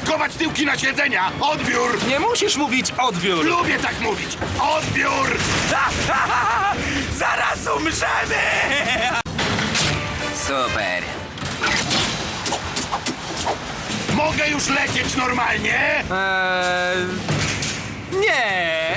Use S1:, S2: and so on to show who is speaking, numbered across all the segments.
S1: pakować tyłki na siedzenia! Odbiór!
S2: Nie musisz mówić odbiór.
S1: Lubię tak mówić! Odbiór!
S3: Zaraz umrzemy! Super.
S1: Mogę już lecieć normalnie?
S2: Nie.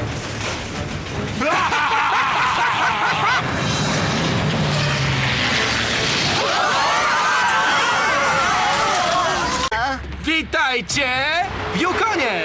S2: Witajcie w Yukonie!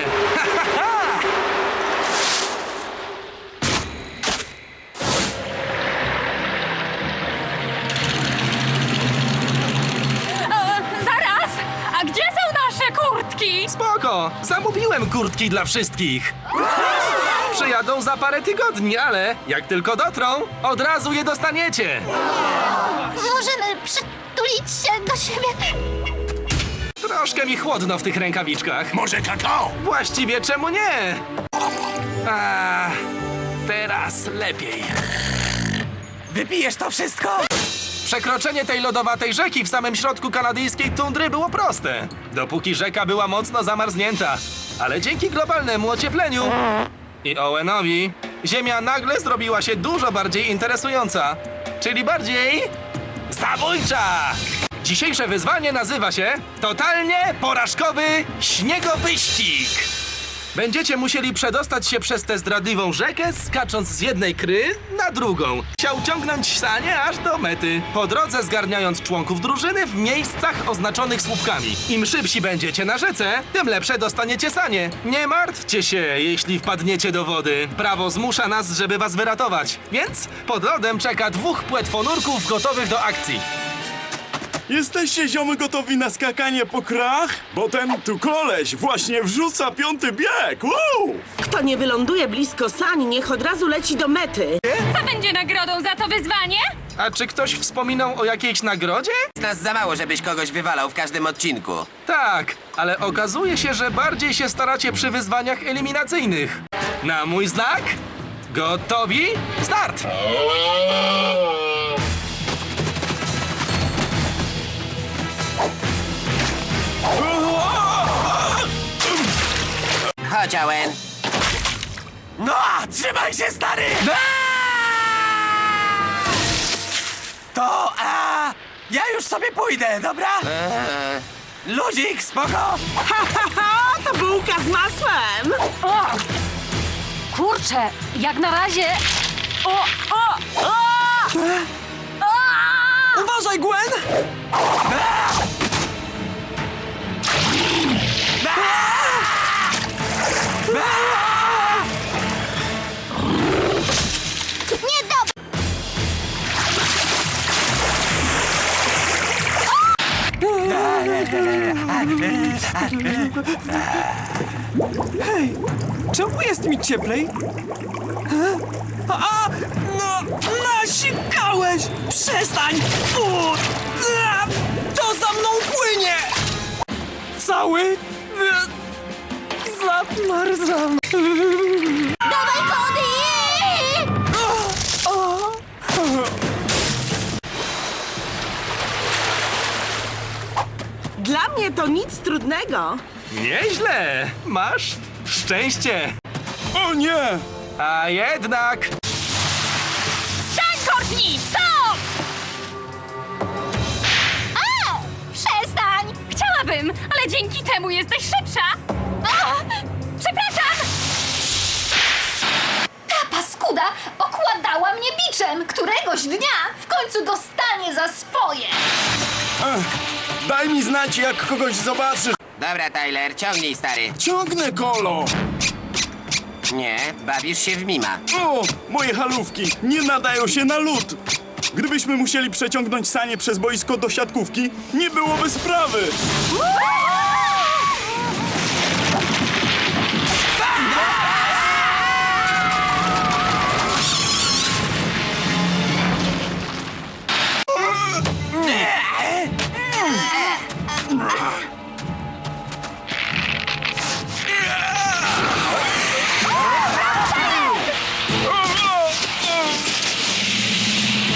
S4: Zaraz! A gdzie są nasze kurtki?
S2: Spoko, zamówiłem kurtki dla wszystkich. Przyjadą za parę tygodni, ale jak tylko dotrą, od razu je dostaniecie.
S4: Możemy przytulić się do siebie.
S2: Troszkę mi chłodno w tych rękawiczkach.
S1: Może kakao?
S2: Właściwie czemu nie? A, teraz lepiej.
S3: Wypijesz to wszystko?
S2: Przekroczenie tej lodowatej rzeki w samym środku kanadyjskiej tundry było proste, dopóki rzeka była mocno zamarznięta. Ale dzięki globalnemu ociepleniu i Owenowi, ziemia nagle zrobiła się dużo bardziej interesująca, czyli bardziej zabójcza. Dzisiejsze wyzwanie nazywa się totalnie porażkowy śniegowyścig. Będziecie musieli przedostać się przez tę zdradliwą rzekę, skacząc z jednej kry na drugą. Chciał ciągnąć sanie aż do mety, po drodze zgarniając członków drużyny w miejscach oznaczonych słupkami. Im szybsi będziecie na rzece, tym lepsze dostaniecie sanie. Nie martwcie się, jeśli wpadniecie do wody. Prawo zmusza nas, żeby was wyratować. Więc pod lodem czeka 2 płetwonurków gotowych do akcji.
S5: Jesteście, ziomy, gotowi na skakanie po krach? Bo ten tu koleś właśnie wrzuca 5. bieg! Woo!
S6: Kto nie wyląduje blisko sań, niech od razu leci do mety.
S4: Co będzie nagrodą za to wyzwanie?
S2: A czy ktoś wspominał o jakiejś nagrodzie?
S3: Nas za mało, żebyś kogoś wywalał w każdym odcinku.
S2: Tak, ale okazuje się, że bardziej się staracie przy wyzwaniach eliminacyjnych. Na mój znak? Gotowi? Start!
S3: Chodź, Owen. No, trzymaj się, stary! To, ja już sobie pójdę, dobra? Ludzik, spoko?
S6: To bułka z masłem.
S4: O! Kurczę, jak na razie... O!
S6: Uważaj, Gwen!
S7: Hej, czemu jest mi cieplej? No, nasikałeś! Przestań! To za mną płynie! Cały... zamarzam.
S4: Dawaj, Cody!
S6: Dla mnie to nic trudnego.
S2: Nieźle! Masz szczęście!
S5: O nie!
S2: A jednak...
S4: Stań, Courtney! Stop! Przestań! Chciałabym, ale dzięki temu jesteś szybsza! Przepraszam! Ta paskuda okładała mnie biczem! Któregoś dnia w końcu dostanie za swoje!
S5: Daj mi znać, jak kogoś zobaczysz.
S3: Dobra, Tyler, ciągnij, stary.
S5: Ciągnę, kolo!
S3: Nie, bawisz się w mima.
S5: O, moje halówki nie nadają się na lód. Gdybyśmy musieli przeciągnąć sanie przez boisko do siatkówki, nie byłoby sprawy.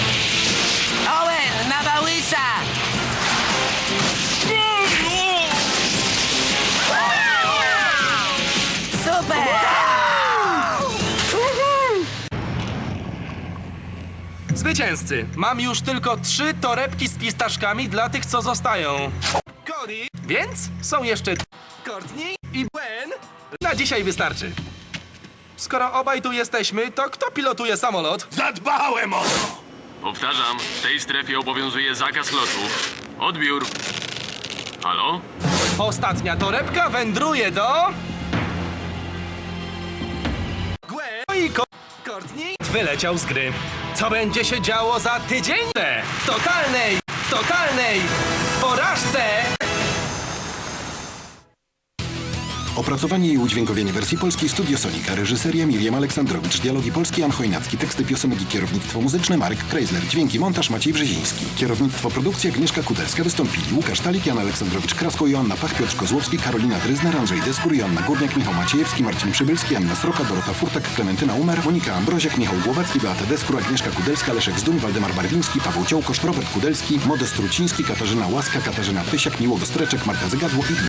S3: Owen, na Bałysza!
S2: zwycięzcy. Mam już tylko 3 torebki z pistaszkami dla tych, co zostają. Cody, więc są jeszcze Courtney i Gwen. Na dzisiaj wystarczy. Skoro obaj tu jesteśmy, to kto pilotuje samolot?
S1: Zadbałem o to!
S8: Powtarzam, w tej strefie obowiązuje zakaz lotów. Odbiór. Halo?
S2: Ostatnia torebka wędruje do... Gwen i Courtney wyleciał z gry. Co będzie się działo za tydzień? W totalnej porażce!
S9: Opracowanie i udźwiękowienie wersji polskiej Studio Sonika. Reżyseria Miriam Aleksandrowicz. Dialogi polskie Jan Chojnacki. Teksty piosenek i kierownictwo muzyczne Marek Kreisler. Dźwięki montaż Maciej Brzeziński. Kierownictwo produkcji Agnieszka Kudelska. Wystąpili Łukasz Talik, Jan Aleksandrowicz Krasko, Joanna Pach, Piotr Kozłowski, Karolina Dryzner, Andrzej Deskur, Joanna Górniak, Michał Maciejewski, Marcin Przybylski, Anna Sroka, Dorota Furtak, Klementyna Umer, Monika Ambroziak, Michał Głowacki, Beata Deskur, Agnieszka Kudelska, Leszek Zduń, Waldemar Barwiński, Paweł Ciołkosz, Robert Kudelski, Modest Truciński, Katarzyna Łaska, Katarzyna Pysiak, Miłogo Streczek, Marta Zygadło i